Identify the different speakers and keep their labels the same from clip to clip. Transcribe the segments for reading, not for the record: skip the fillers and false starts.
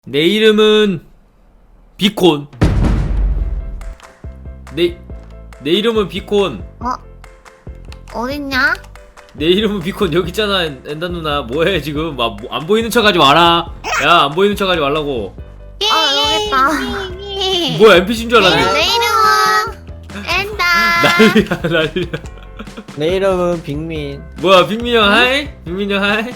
Speaker 1: 내 이름은 비콘. 내 이름은 비콘.
Speaker 2: 어딨냐?
Speaker 1: 내 이름은 비콘. 여기 있잖아. 엔다 누나 뭐해 지금. 막 안 보이는 척 하지 마라. 야, 안 보이는 척 하지 말라고.
Speaker 2: 여기 있다.
Speaker 1: 뭐야, NPC인 줄 알았네.
Speaker 2: 내 이름은 엔다.
Speaker 1: 난리야 난리야.
Speaker 3: 내 이름은 빅민.
Speaker 1: 뭐야, 빅민 형 하이. 빅민 형 하이.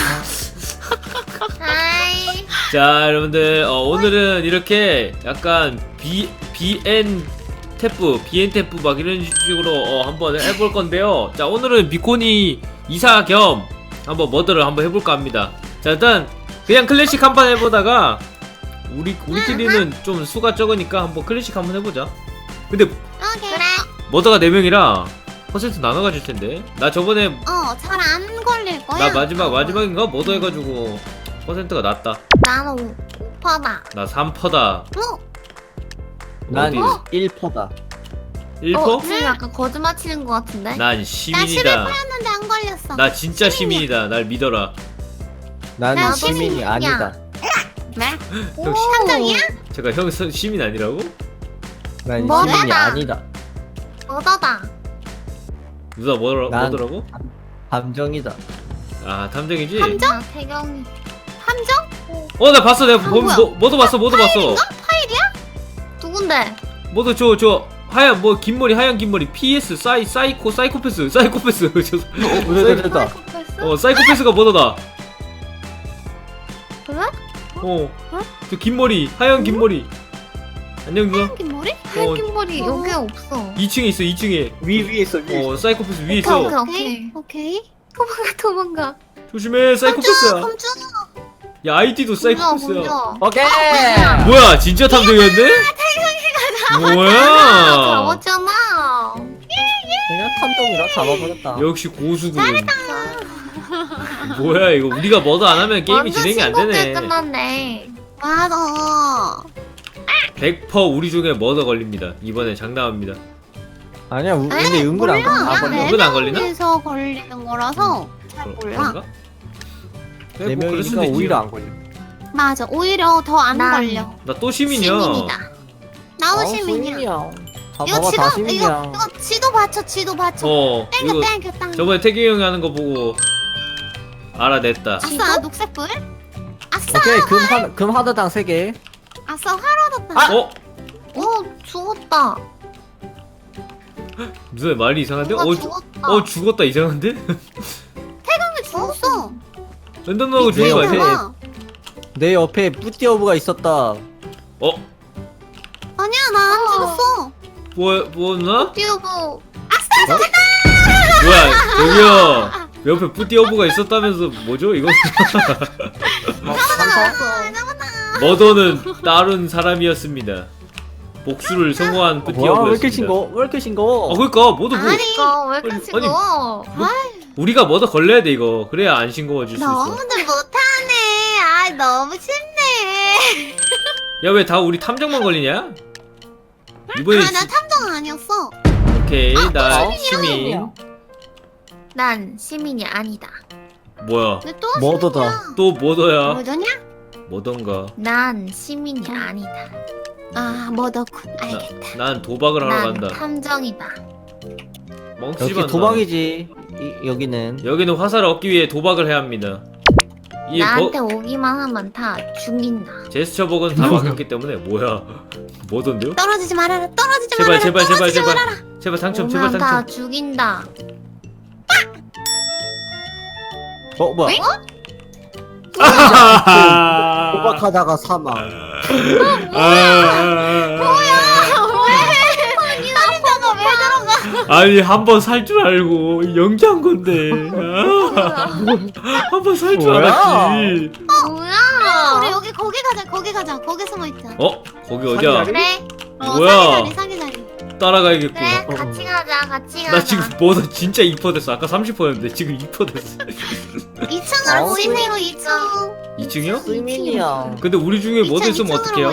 Speaker 2: 하이.
Speaker 1: 자, 여러분들 오늘은 이렇게 약간 BN 탭프 막 이런 식으로 한번 해볼 건데요. 자, 오늘은 비콘이 이사 겸 한번 머더를 한번 해볼까 합니다. 자, 일단 그냥 클래식 한번 해보다가 우리끼리는 좀 수가 적으니까 한번 클래식 한번 해보자. 근데
Speaker 2: 그래.
Speaker 1: 머더가 4명이라 퍼센트 나눠가질 텐데. 나 저번에
Speaker 2: 잘 안 걸릴 거야.
Speaker 1: 나 마지막인가 머더 해가지고 퍼센트가 낮다.
Speaker 2: 나는 5%다.
Speaker 1: 나 3%다.
Speaker 3: 난
Speaker 1: 어디?
Speaker 3: 1%다.
Speaker 1: 1%?
Speaker 2: 지금 약간 거짓말 치는 것 같은데?
Speaker 1: 난
Speaker 2: 나
Speaker 1: 시민이다.
Speaker 2: 11%였는데 안 걸렸어.
Speaker 1: 나 진짜 시민이다. 날 믿어라.
Speaker 3: 나는
Speaker 2: 나도
Speaker 3: 시민이
Speaker 2: 시민이야.
Speaker 3: 아니다.
Speaker 2: 네?
Speaker 1: 형,
Speaker 2: 한정이야?
Speaker 1: 제가 형 시민 아니라고?
Speaker 3: 난
Speaker 2: 뭐다?
Speaker 3: 시민이 아니다.
Speaker 2: 얻어다.
Speaker 1: 누나
Speaker 3: 난-
Speaker 1: 뭐더라고?
Speaker 3: 감정이다.
Speaker 1: 아, 탐정이지?
Speaker 2: 함정? 태경이. 함정?
Speaker 1: 나 봤어. 내가
Speaker 2: 뭐야?
Speaker 1: 뭐도 봤어.
Speaker 2: 파일이야? 누군데?
Speaker 1: 뭐도 저 하얀 긴 머리 하얀 긴 머리 PS 사이코패스 저
Speaker 3: 됐다.
Speaker 2: 사이코패스?
Speaker 1: 사이코패스가 뭐더다.
Speaker 2: 그래?
Speaker 1: 저 긴 머리 하얀 긴 머리. 안녕 누나.
Speaker 2: 하얀 긴 머리? 하얀 긴 머리 여기 없어.
Speaker 1: 2층에 있어. 2층에.
Speaker 3: 위에 있어.
Speaker 1: 사이코패스 위에 있어.
Speaker 2: 오케이. 도망가.
Speaker 1: 조심해. 사이코패스야.
Speaker 2: 검주.
Speaker 1: 야, 아이디도 사이코패스야.
Speaker 3: 오케이.
Speaker 1: 뭐야, 진짜 탐정이었네? 뭐야?
Speaker 2: 잡았잖아.
Speaker 3: 그냥 탐정이라 잡아버렸다.
Speaker 1: 역시 고수군. 뭐야 이거, 우리가 뭐도 안 하면 게임이 진행이 안 되네.
Speaker 2: 끝났네. 맞아.
Speaker 1: 100% 우리 중에 뭐더 걸립니다. 이번에 장담합니다.
Speaker 3: 아니야, 근데 은근 안 걸려.
Speaker 1: 아,
Speaker 2: 그냥
Speaker 1: 은근 안 걸리나?
Speaker 2: 에서 걸리는 거라서 잘 몰라.
Speaker 1: 그런가? 그래,
Speaker 3: 네
Speaker 1: 뭐 그럴 수도
Speaker 3: 명이니까
Speaker 1: 있지.
Speaker 3: 오히려 안 걸려.
Speaker 2: 맞아. 오히려 더 안 걸려.
Speaker 1: 나 또 시민이야.
Speaker 2: 시민이다. 나도 시민이야.
Speaker 3: 다
Speaker 2: 이거
Speaker 3: 봐봐,
Speaker 2: 지도
Speaker 3: 다 시민이야.
Speaker 2: 이거 지도 받쳐.
Speaker 1: 이거
Speaker 2: 땡겨.
Speaker 1: 저번에 태기 형이 하는 거 보고 알아냈다.
Speaker 2: 아싸 녹색불. 아싸.
Speaker 3: 오케이, 금 하나당 3개.
Speaker 2: 아싸 화로 뒀다. 오 죽었다.
Speaker 1: 무슨 말이 이상한데?
Speaker 2: 누가 죽었다.
Speaker 1: 죽었다 이상한데?
Speaker 2: 태경이 죽었어.
Speaker 1: 랜덤 나고 죽은 거
Speaker 3: 앞에.
Speaker 1: 같아.
Speaker 3: 내 옆에 뿌띠어브가 있었다.
Speaker 2: 아니야 나 안 죽었어.
Speaker 1: 뭐 누나?
Speaker 2: 띠오브.
Speaker 1: 뭐야 저기요, 옆에 뿌띠어브가 있었다면서 뭐죠 이거? 머더는 다른 사람이었습니다. 복수를 성공한
Speaker 3: 뭐야, 왜
Speaker 1: 뿌띠어브였습니다.
Speaker 3: 이렇게 싱거워? 왜 이렇게 싱거워?
Speaker 1: 그러니까 모두 뭐
Speaker 2: 아니 왜 이렇게 찍어?
Speaker 1: 우리가 머더 걸려야 돼 이거. 그래야 안 싱거워질 수 있어.
Speaker 2: 너무들 못하네. 아 너무 쉽네.
Speaker 1: 야, 왜 다 우리 탐정만 걸리냐? 이번에
Speaker 2: 나 탐정 아니었어.
Speaker 1: 오케이, 나
Speaker 3: 시민이야.
Speaker 1: 시민.
Speaker 2: 난 시민이 아니다.
Speaker 1: 뭐야?
Speaker 2: 근데 또
Speaker 3: 머더다.
Speaker 2: 시민이야.
Speaker 1: 또 머더야.
Speaker 2: 뭐더냐?
Speaker 1: 뭐던가.
Speaker 2: 난 시민이 아니다. 아 머더군. 알겠다.
Speaker 1: 난 도박을 하러
Speaker 2: 난
Speaker 1: 간다.
Speaker 2: 탐정이다.
Speaker 1: 멍치만.
Speaker 3: 여기 도박이지. 여기는.
Speaker 1: 여기는 화살을 얻기 위해 도박을 해야 합니다. 이
Speaker 2: 나한테 오기만 하면 다 죽인다.
Speaker 1: 제스처 버그는 다 바뀌었기 때문에. 뭐야? 뭐던데요?
Speaker 2: 떨어지지 말아라. 떨어지지
Speaker 1: 제발
Speaker 2: 말아라.
Speaker 1: 제발 제발
Speaker 2: 떨어지지
Speaker 1: 제발
Speaker 2: 말아라.
Speaker 1: 제발 당첨, 제발
Speaker 2: 오면 다
Speaker 1: 당첨.
Speaker 2: 죽인다.
Speaker 3: 뭐야?
Speaker 1: 아하하하.
Speaker 3: 도박하다가 사망.
Speaker 2: 살인자가 왜 들어가?
Speaker 1: 아니, 한 번 살 줄 알고 연기한 건데. 한 번 살 줄
Speaker 3: 뭐야?
Speaker 1: 알았지.
Speaker 2: 뭐야? 우리 여기 거기 가자. 거기 숨어 있자.
Speaker 1: 거기 어디야?
Speaker 3: 사기자리?
Speaker 2: 그래.
Speaker 1: 뭐야?
Speaker 2: 사기 자리.
Speaker 1: 따라가야겠구나.
Speaker 2: 그래. 같이 가자.
Speaker 1: 나 지금 뭐다 진짜 2% 됐어. 아까 30%였는데 지금 2% 됐어.
Speaker 2: 2층으로 모이세요. 2층.
Speaker 1: 2층이요?
Speaker 3: 시민이야.
Speaker 1: 근데 우리 중에 뭐도 있으면 어떡해요?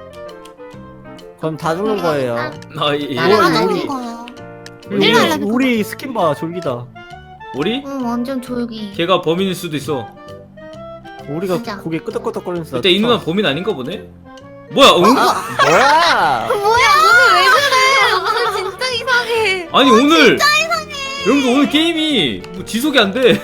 Speaker 3: 그럼 다 죽는 거예요.
Speaker 1: 예.
Speaker 2: 나랑
Speaker 3: 우리-
Speaker 2: 죽는 거야.
Speaker 1: 우리-
Speaker 2: 일로 와라.
Speaker 3: 우리 스킨 봐, 졸기다.
Speaker 1: 우리?
Speaker 2: 응 완전 졸기.
Speaker 1: 걔가 범인일 수도 있어.
Speaker 3: 우리가
Speaker 4: 진짜.
Speaker 3: 고개 끄덕끄덕거리면서.
Speaker 1: 일단 이 누나 범인 아닌가 보네. 뭐야? 응?
Speaker 3: 뭐야?
Speaker 2: 뭐야 오늘 왜 그래? 오늘 진짜 이상해.
Speaker 1: 아니 오늘 여러분들 오늘 게임이 뭐 지속이 안 돼.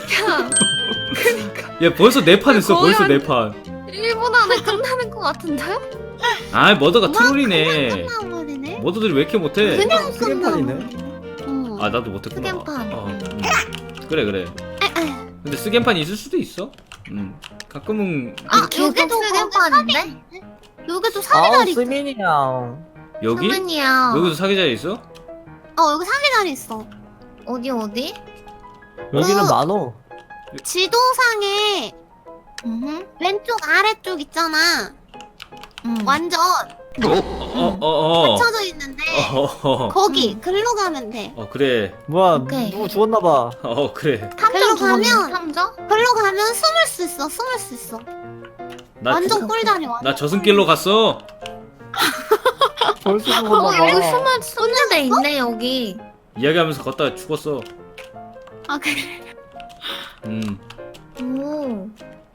Speaker 1: 야 벌써 4판 했어.
Speaker 2: 거의
Speaker 1: 벌써
Speaker 2: 한-
Speaker 1: 4판.
Speaker 2: 1분 안에 끝나는 것 같은데?
Speaker 1: 아 머더가 트롤이네.
Speaker 2: 끝나버리네.
Speaker 1: 머더들이 왜 이렇게 못해?
Speaker 2: 그냥
Speaker 3: 쓰겐판이네.
Speaker 2: 응.
Speaker 1: 아 나도 못했구나.
Speaker 2: 스캔판.
Speaker 1: 그래 그래. 근데 스캔판이 있을 수도 있어. 가끔은
Speaker 2: 아
Speaker 4: 계속
Speaker 2: 여기도
Speaker 4: 스캔판인데?
Speaker 2: 여기도
Speaker 3: 아우
Speaker 2: 사기자리 있어.
Speaker 3: 스민이야.
Speaker 1: 여기
Speaker 4: 수민이야.
Speaker 1: 여기도 사기자리 있어?
Speaker 2: 여기 사기자리 있어.
Speaker 4: 어디?
Speaker 3: 여기는
Speaker 2: 그-
Speaker 3: 많어.
Speaker 2: 지도상에
Speaker 4: 응.
Speaker 2: 왼쪽 아래쪽 있잖아. 완전
Speaker 1: 어어어.
Speaker 2: 펼쳐져 있는데
Speaker 1: 어.
Speaker 2: 거기 글로 가면 돼.
Speaker 1: 그래.
Speaker 3: 뭐야
Speaker 4: 오케이.
Speaker 3: 누구 죽었나봐.
Speaker 1: 그래.
Speaker 2: 글로 가면
Speaker 4: 탐정?
Speaker 2: 글로 가면 숨을 수 있어. 숨을 수 있어.
Speaker 1: 나
Speaker 2: 완전 꿀자리 완전.
Speaker 1: 나 저승길로 갔어.
Speaker 3: 벌써
Speaker 4: 여기
Speaker 3: 죽었나봐.
Speaker 4: 숨는 데 있네 여기.
Speaker 1: 이야기하면서 걷다가 죽었어.
Speaker 2: 아 그래.
Speaker 4: 오.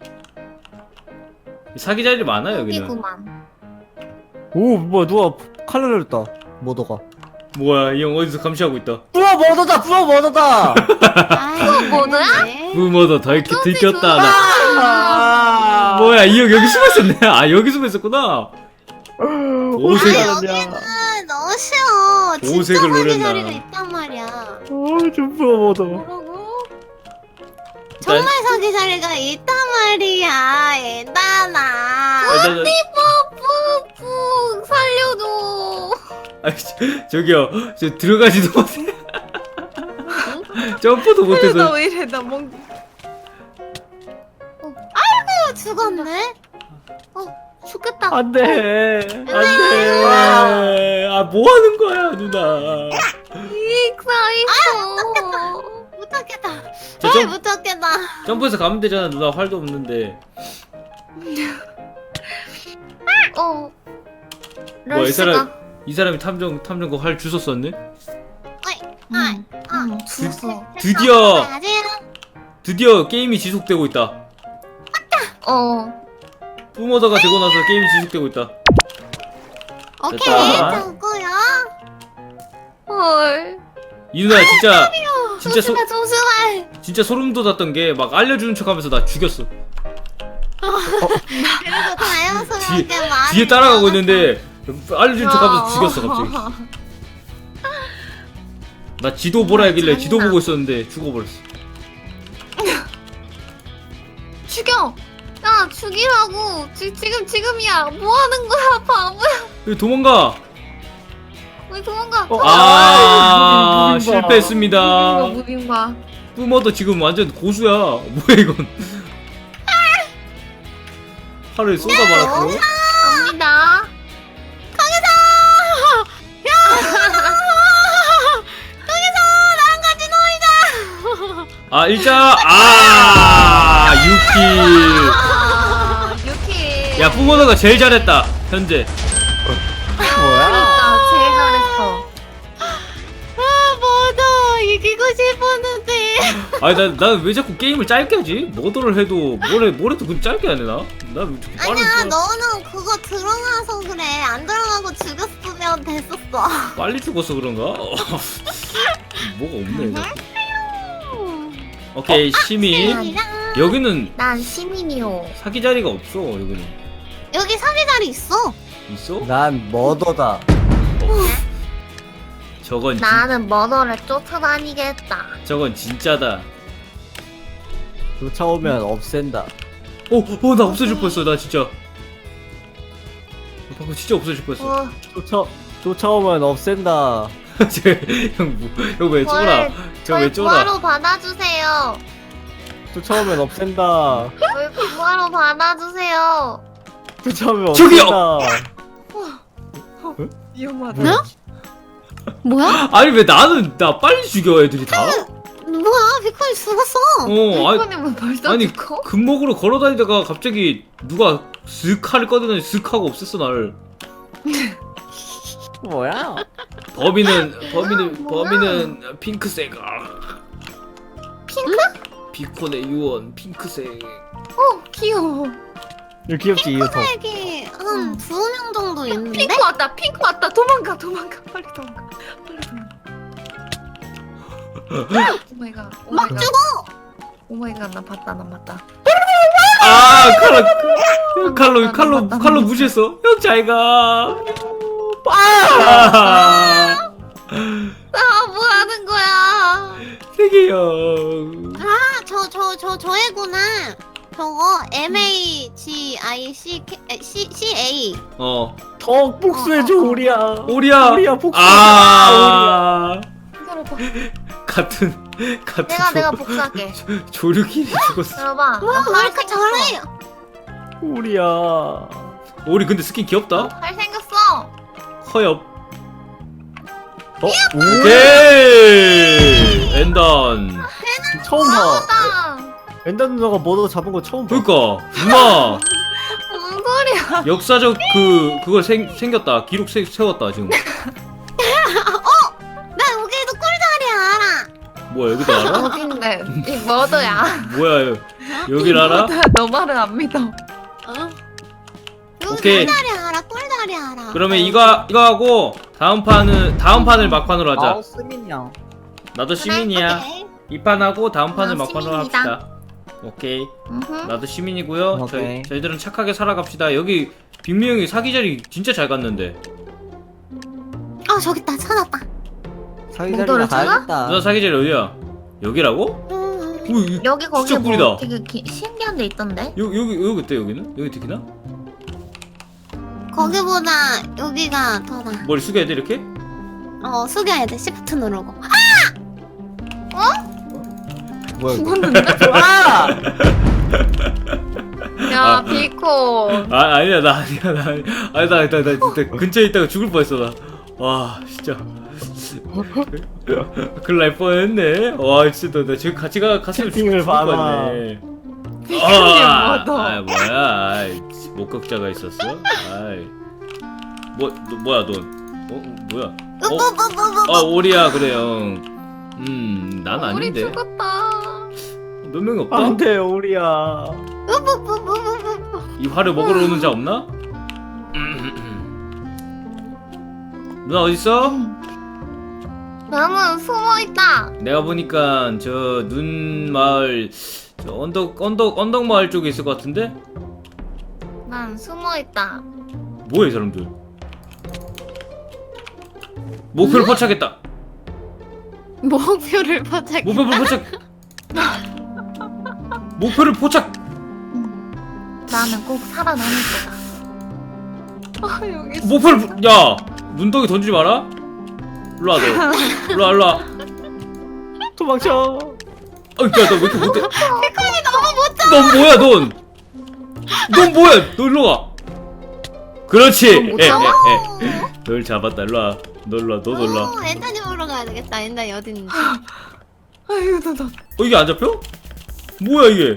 Speaker 1: 사기자리 많아 여기는.
Speaker 4: 여기구만.
Speaker 3: 오 뭐야 누가 칼을 내렸다. 머더가.
Speaker 1: 뭐야 이 형 어디서 감시하고 있다.
Speaker 3: 뿌어 머더다. 뿌어 머더다.
Speaker 2: 뭐야?
Speaker 1: 무머더 들켰다 나.
Speaker 3: 아.
Speaker 1: 뭐야 이 형 여기 숨어 있었네. 아 여기 숨어 있었구나. 오색.
Speaker 3: 여기는
Speaker 2: 너무 쉬워. 진짜
Speaker 1: 오색을 노렸나.
Speaker 2: 사기자리가 있단 말이야.
Speaker 3: 좀 뿌어 머더.
Speaker 2: 뭐라고? 정말 사기자리가 있단 말이야. 얘들아.
Speaker 4: 푹 살려줘.
Speaker 1: 저기요 저 들어가지도 못해. 점프도 못해서.
Speaker 2: 왜 이래 나 멍. 죽었네.
Speaker 4: 죽겠다.
Speaker 3: 안돼.
Speaker 1: 안돼. 뭐 하는 거야 누나.
Speaker 4: 익사있어.
Speaker 2: 못하겠다.
Speaker 1: 저
Speaker 2: 아이 못하겠다.
Speaker 1: 점프해서 가면 되잖아 누나. 활도 없는데. 뭐야 이 사람이 탐정 그 활 주워 썼네.
Speaker 4: 죽었어.
Speaker 1: 드디어 게임이 지속되고 있다. 뿜어다가 되고 나서 게임이 지속되고 있다.
Speaker 2: 오케이
Speaker 1: 됐다.
Speaker 2: 됐고요.
Speaker 4: 헐.
Speaker 1: 이 누나 진짜
Speaker 2: 조심해.
Speaker 1: 진짜 소름 돋았던 게 막 알려주는 척하면서 나 죽였어.
Speaker 2: 그리고 자연스럽게 말을
Speaker 1: 뒤에 따라가고 있는데 알려주는 척하면서 죽였어 갑자기. 나 지도 보라 하길래 지도
Speaker 4: 잔인하.
Speaker 1: 보고 있었는데 죽어버렸어.
Speaker 4: 죽여. 야 죽이라고. 지금이야. 뭐 하는 거야 바보야.
Speaker 1: 여기 도망가.
Speaker 4: 왜 도망가?
Speaker 3: 무빙바.
Speaker 1: 실패했습니다.
Speaker 4: 무빙바.
Speaker 1: 뿜어도 지금 완전 고수야. 뭐야 이건. 활을 쏟아말았고.
Speaker 4: 갑니다.
Speaker 1: 일자 유키.
Speaker 4: 유키.
Speaker 1: 야 뿜어도가 제일 잘했다 현재.
Speaker 3: 뭐야?
Speaker 4: 진짜 제일 잘했어.
Speaker 2: 뭐도 이기고 싶었는데.
Speaker 1: 아니 난 왜 자꾸 게임을 짧게 하지? 뭐더를 해도 뭘 해도 그냥 짧게 하네 나? 나왜 자꾸 빨리
Speaker 2: 아니야
Speaker 1: 죽어?
Speaker 2: 너는 그거 들어가서 그래. 안 들어가고 죽였으면 됐었어.
Speaker 1: 빨리 죽어서 그런가? 뭐가 없네 자꾸. 오케이 시민.
Speaker 2: 아니랑
Speaker 1: 여기는
Speaker 4: 난 시민이요.
Speaker 1: 사기 자리가 없어 여기는.
Speaker 2: 여기 사기자리 있어.
Speaker 1: 있어?
Speaker 3: 난 머더다.
Speaker 4: 나는 머더를 쫓아다니겠다.
Speaker 1: 저건 진짜다.
Speaker 3: 쫓아오면 없앤다.
Speaker 1: 나 없어질 뻔했어 나 진짜. 방금 진짜 없어질 뻔했어.
Speaker 3: 쫓아오면 없앤다.
Speaker 1: 형왜 쫄아? 저왜
Speaker 4: 저희
Speaker 1: 쫄아?
Speaker 4: 부하로 받아주세요.
Speaker 3: 쫓아오면 없앤다.
Speaker 4: 저희 부하로 받아주세요.
Speaker 3: 쫓아오면
Speaker 1: 저기요!
Speaker 3: 없앤다.
Speaker 2: 위험하다. 뭐야?
Speaker 1: 아니 왜 나 빨리 죽여 애들이 다?
Speaker 2: 뭐야? 비콘이 죽었어.
Speaker 4: 이거는 벌써
Speaker 1: 아니
Speaker 4: 죽어?
Speaker 1: 금목으로 걸어다니다가 갑자기 누가 슥 칼을 꺼내더니 슥 하고 없앴어 나를.
Speaker 3: 뭐야?
Speaker 1: 범인은 핑크색. 핑크? 비콘의 유언 핑크색.
Speaker 4: 귀여워.
Speaker 3: 이거 귀엽지 이거 더.
Speaker 2: 여기 한 2명 정도 있는데?
Speaker 4: 핑크 왔다. 핑크 왔다. 도망가. 빨리 도망가. 오마이갓.
Speaker 2: 막 죽어!
Speaker 4: 오마이갓. 나 봤다.
Speaker 1: 아 칼로 무시했어. 형 잘가. 아
Speaker 4: 뭐 하는 거야?
Speaker 1: 세계형.
Speaker 2: 아, 저애구나. 저거 MAGICA.
Speaker 3: 더 복수해줘 우리야.
Speaker 1: 오리야.
Speaker 3: 우리야 복수.
Speaker 1: 아
Speaker 4: 기다려봐.
Speaker 1: 같은
Speaker 4: 내가 복수할게.
Speaker 1: 조류끼리 죽었어.
Speaker 4: 들어봐.
Speaker 2: 와, 왜 이렇게
Speaker 4: 잘생겼어.
Speaker 2: 잘해?
Speaker 3: 우리야.
Speaker 1: 오리 근데 스킨 귀엽다.
Speaker 4: 잘생겼어.
Speaker 1: 허엽.
Speaker 3: 오.
Speaker 1: 오케이. 엔던.
Speaker 3: 처음 봐.
Speaker 4: 나
Speaker 3: 엔더 누나가 뭐도 잡은 거 처음 봐.
Speaker 1: 그니까 엄마
Speaker 4: 무슨 소리야?
Speaker 1: 역사적 그걸 생겼다. 기록 세웠다 지금.
Speaker 2: 나 여기도 꿀자리 알아.
Speaker 1: 뭐야 여기도 알아?
Speaker 4: 어딘데? 이 머더야.
Speaker 1: 뭐야 여길 알아?
Speaker 4: 너 말을 안 믿어.
Speaker 2: 여기
Speaker 1: 오케이.
Speaker 2: 꿀자리 알아. 꿀자리 알아.
Speaker 1: 그러면 이거 하고 다음 판을 막판으로 하자.
Speaker 3: 스민이야.
Speaker 1: 나도 시민이야.
Speaker 2: 오케이.
Speaker 1: 이 판 하고 다음 판을 막판으로
Speaker 2: 시민이다.
Speaker 1: 합시다. 오케이. 나도 시민이고요.
Speaker 3: 오케이.
Speaker 1: 저희들은 착하게 살아갑시다. 여기 빅미 형이 사기 자리 진짜 잘 갔는데.
Speaker 2: 저기 있다. 찾았다.
Speaker 3: 사기자리가
Speaker 4: 몽돌을 찾아?
Speaker 3: 가야겠다.
Speaker 1: 누나 사기 자리 어디야? 여기라고? 오,
Speaker 4: 여기 거기
Speaker 1: 진짜 꿀이다.
Speaker 4: 뭐 되게 신기한 데 있던데?
Speaker 1: 여기 어때 여기는? 여기 특히나?
Speaker 2: 거기보다 여기가 더 나아.
Speaker 1: 머리 숙여야 돼 이렇게?
Speaker 2: 숙여야 돼. 시프트 누르고.
Speaker 3: 뭐야 이거?
Speaker 4: 죽었는데?
Speaker 3: 아!
Speaker 4: 야
Speaker 1: 아.
Speaker 4: 비코.
Speaker 1: 아니야 나 진짜 근처에 있다가 죽을 뻔했어 나. 와 진짜 큰일 날 뻔했네. 와 진짜 나 지금 같이 갔으면
Speaker 3: 채팅을
Speaker 1: 죽을
Speaker 3: 봐봐.
Speaker 1: 뻔했네.
Speaker 4: 뭐야?
Speaker 1: 뭐야 아이, 목격자가 있었어? 아이 뭐야 넌? 뭐야? 오리야 그래요. 난
Speaker 4: 우리
Speaker 1: 아닌데.
Speaker 4: 죽었다.
Speaker 1: 몇 명이 없다?
Speaker 3: 안돼 우리야.
Speaker 1: 이 화를 먹으러 오는 자 없나? 누나 어딨어?
Speaker 4: 나는 숨어 있다.
Speaker 1: 내가 보니까 저 눈 마을 저 언덕 마을 쪽에 있을 것 같은데?
Speaker 4: 난 숨어 있다.
Speaker 1: 뭐야 이 사람들? 목표를 포착했다.
Speaker 2: 목표를 포착.
Speaker 1: 목표를 포착. 목표를 포착.
Speaker 4: 나는 꼭 살아남을 거다. 여기
Speaker 1: 목표를 야 눈덩이 던지지 마라. 일로 와 너. 일로 와.
Speaker 3: 도망쳐.
Speaker 1: 야너 왜 이렇게 못해? 피콘이 너무 못해. 넌 뭐야 넌? 넌 뭐야? 너 일로 와. 그렇지.
Speaker 4: 못 잡아?
Speaker 1: 널 잡았다. 일로 와. 너 일로 와. 너도 일로 와.
Speaker 2: 엔단이 보러 가야 되겠다. 엔단이 어디 있는지.
Speaker 4: 아유 나
Speaker 1: 이게 안 잡혀? 뭐야 이게?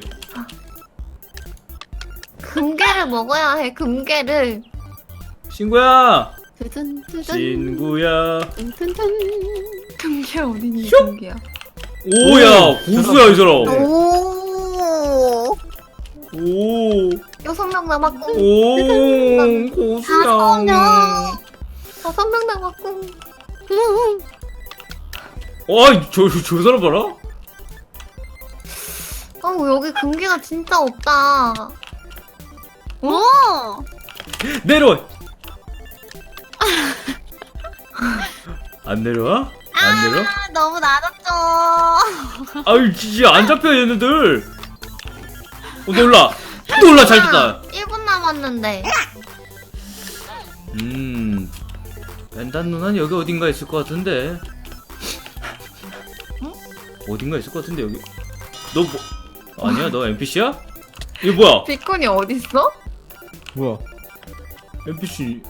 Speaker 4: 금괴를 먹어야 해. 금괴를.
Speaker 1: 친구야.
Speaker 2: 두둔두둔.
Speaker 1: 친구야.
Speaker 2: 둔둔둔.
Speaker 4: 금괴 어딨니?
Speaker 1: 슉!
Speaker 4: 금괴야.
Speaker 1: 오야 고수야 이 사람.
Speaker 2: 오.
Speaker 1: 오.
Speaker 4: 6명 남았고.
Speaker 1: 오 고수야.
Speaker 4: 5명 남았고.
Speaker 1: 아이 저 사람 봐라.
Speaker 4: 여기 금괴가 진짜 없다.
Speaker 2: 오.
Speaker 1: 내려와. 안 내려와? 안 내려?
Speaker 2: 너무 낮았죠.
Speaker 1: 아유 진짜 안 잡혀 얘네들. 놀라 잘 됐다.
Speaker 4: 1분 남았는데.
Speaker 1: 벤단 누나는 여기 어딘가 있을 것 같은데. 어딘가 있을 것 같은데 여기. 너 뭐? 아니야 너 NPC야? 이거 뭐야?
Speaker 4: 비콘이 어딨어?
Speaker 3: 뭐야?
Speaker 1: NPC.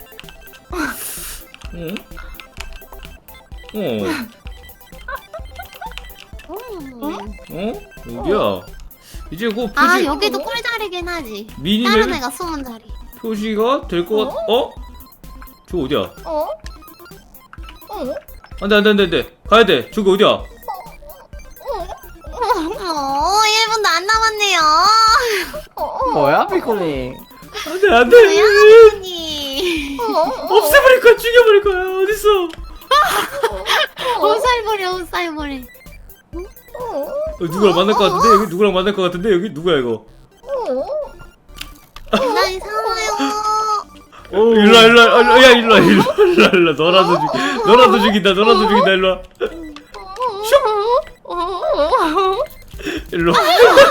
Speaker 1: 어? 여기야. 이제 그 표시
Speaker 2: 여기도 꿀자리긴 하지. 다른
Speaker 1: 미니맵
Speaker 2: 애가 숨은 자리.
Speaker 1: 표시가 될 것 같. 저 어디야?
Speaker 4: 어?
Speaker 1: 안돼 가야 돼. 저기 어디야?
Speaker 2: 1분도 안 남았네요.
Speaker 3: 뭐야 비코니?
Speaker 1: 안돼 안돼.
Speaker 2: 고양이.
Speaker 1: 없애버릴 거야 죽여버릴 거야 어딨어?
Speaker 2: 옷살머리 옷살머리.
Speaker 1: 누구랑 만날 것 같은데 여기 누구랑 만날 것 같은데 여기 누구야 이거?
Speaker 2: 나 이상해요.
Speaker 1: 일로와 일로와 야 일로와 너라도 죽인다 일로와. 일로.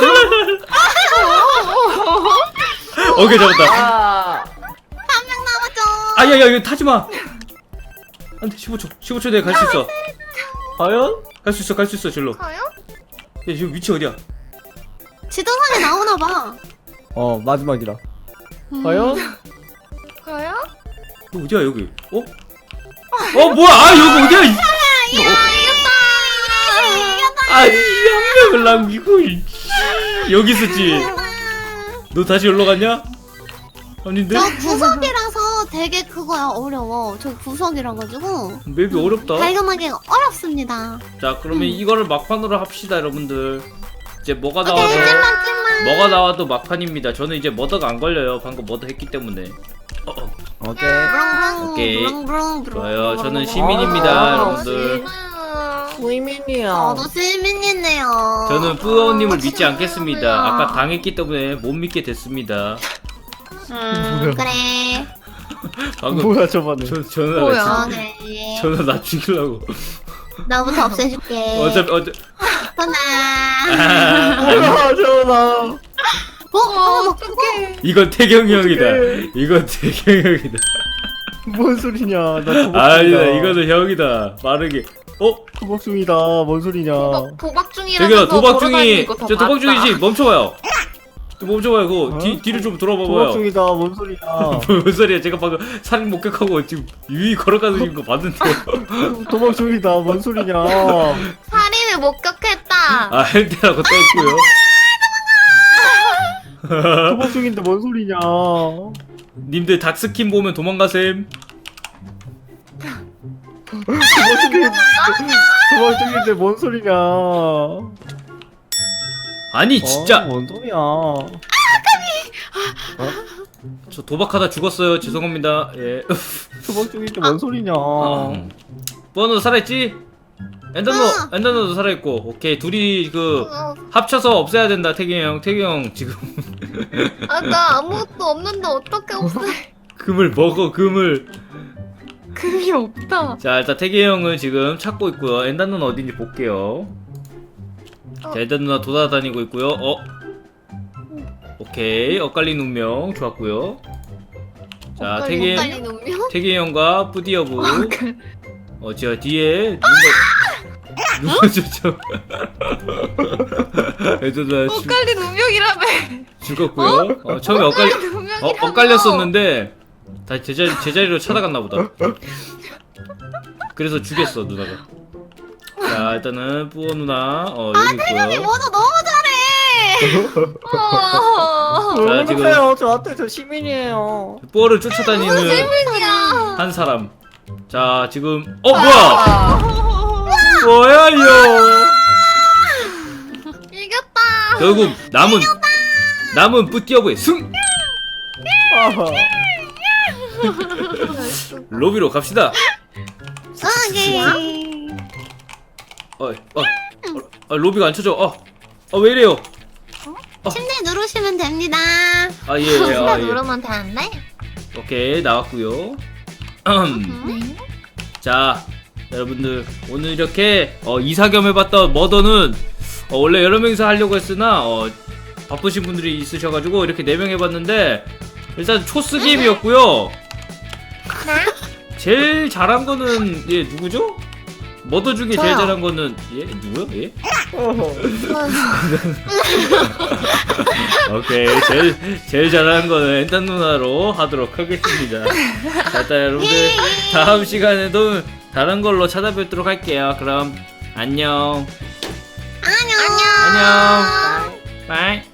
Speaker 1: 오케이 잡았다.
Speaker 3: 아.
Speaker 2: 한 명 남았죠.
Speaker 1: 아야야 이거 타지 마. 안돼 15초 내에 갈 수 있어.
Speaker 3: 과연?
Speaker 1: 갈 수 있어 절로. 야
Speaker 4: 가요?
Speaker 1: 지금 위치 어디야?
Speaker 2: 지도상에 나오나 봐.
Speaker 3: 마지막이라. 과연?
Speaker 4: 가요?
Speaker 1: 너 어디야 여기? 어? 뭐야? 아 여기 어디야? 아니 한 명을 남기고 여기 있었지. 너 다시 올라 갔냐? 아닌데?
Speaker 2: 저 구석이라서 되게 그거야 어려워. 저 구석이라 가지고
Speaker 1: 맵이 어렵다.
Speaker 2: 발견하기가 어렵습니다.
Speaker 1: 자 그러면 이거를 막판으로 합시다 여러분들. 이제 뭐가
Speaker 2: 오케이
Speaker 1: 나와도
Speaker 2: 찔만.
Speaker 1: 뭐가 나와도 막판입니다. 저는 이제 머더가 안 걸려요. 방금 머더 했기 때문에.
Speaker 3: 오케이.
Speaker 1: 오케이.
Speaker 2: 브릉브릉.
Speaker 1: 좋아요. 저는 시민입니다, 여러분들.
Speaker 3: 무이민이야.
Speaker 2: 저도 시민이네요.
Speaker 1: 저는 뿌어님을 믿지 않겠습니다. 아까 당했기 때문에 못 믿게 됐습니다.
Speaker 2: 그래.
Speaker 1: 방금
Speaker 3: 뭐야 저번에.
Speaker 1: 저는
Speaker 4: 뭐야?
Speaker 2: 그래.
Speaker 1: 저는 나 죽이려고.
Speaker 2: 나부터 없애줄게.
Speaker 1: 어차피
Speaker 2: 하나.
Speaker 3: 뭐야 저나.
Speaker 4: 어떡해.
Speaker 1: 이건 태경이 형이다.
Speaker 3: 어떡해.
Speaker 1: 이건 태경이 형이다.
Speaker 3: 뭔 소리냐? 나 도박
Speaker 1: 아니다.
Speaker 3: 중이다.
Speaker 1: 이거는 형이다. 빠르게.
Speaker 3: 도박 중이다. 뭔 소리냐?
Speaker 4: 도박 중이라면서
Speaker 1: 저기요 도박 중이
Speaker 4: 걸어다니는 거다
Speaker 1: 저 도박
Speaker 4: 봤다.
Speaker 1: 중이지. 멈춰봐요. 멈춰봐요. 그거 뒤를 좀
Speaker 3: 도박
Speaker 1: 돌아봐봐요.
Speaker 3: 중이다. 뭔 소리야?
Speaker 1: 뭔 소리야? 제가 방금 살인 목격하고 지금 유이 걸어가는 거 봤는데요.
Speaker 3: 도박 중이다. 뭔 소리냐?
Speaker 4: 살인을 목격했다.
Speaker 1: 아 헬테라고 떴고요.
Speaker 3: 도박 중인데 뭔 소리냐?
Speaker 1: 님들 닥스킨 보면 도망가셈.
Speaker 3: 도박 중인데 뭔 소리냐?
Speaker 1: 아니 진짜
Speaker 3: 뭔 소리야?
Speaker 1: 저 도박하다 죽었어요. 죄송합니다. 예.
Speaker 3: 도박 중인데 뭔 소리냐?
Speaker 1: 뻔너 살아있지? 엔더노도 살아있고. 오케이 둘이 그 합쳐서 없애야 된다. 태경이 형 지금
Speaker 4: 나 아무것도 없는데 어떻게 없애?
Speaker 1: 금을 먹어 금을.
Speaker 4: 금이 없다.
Speaker 1: 자 일단 태경이 형은 지금 찾고 있고요. 엔더 누나 어딘지 볼게요. 자 엔더 누나 돌아다니고 있고요. 오케이 엇갈린 운명 좋았고요. 자
Speaker 4: 헷갈린 운명?
Speaker 1: 태경이 형과 뿌디어부 제가 뒤에 누가 저 엔더 누나
Speaker 4: 헷갈린 운명이라며.
Speaker 1: 죽었고요. 처음에 엇갈렸었는데 다시 제자리로 찾아갔나 보다. 그래서 죽였어 누나가. 자 일단은 뿌어 누나 여기 있고요.
Speaker 2: 뭐도 너무 잘해.
Speaker 1: 자, 지금-
Speaker 3: 그러세요? 저한테 저 시민이에요.
Speaker 1: 뿌어를 쫓아다니는
Speaker 4: 운명이야.
Speaker 1: 한 사람. 자 지금 뭐야 이거.
Speaker 4: 이겼다.
Speaker 1: 결국 남은 뿌띠어부의 승. 로비로 갑시다.
Speaker 2: 오케이.
Speaker 1: 로비가 안 쳐져. 왜 이래요?
Speaker 2: 침대 누르시면 됩니다.
Speaker 1: 예.
Speaker 4: 누르면 되는데?
Speaker 1: 오케이 나왔고요. 자 여러분들 오늘 이렇게 이사겸 해봤던 머더는 원래 여러 명이서 하려고 했으나 바쁘신 분들이 있으셔가지고 이렇게 4명 해봤는데 일단 초스게임이었고요. 제일 잘한 거는 누구죠? 머더 중에 제일
Speaker 4: 저요.
Speaker 1: 잘한 거는 누구요? 오케이 제일 잘하는 거는 엔단 누나로 하도록 하겠습니다. 자, 일단 여러분들 다음 시간에도 다른 걸로 찾아뵙도록 할게요. 그럼 안녕.
Speaker 2: 안녕.
Speaker 1: 안녕. 바이.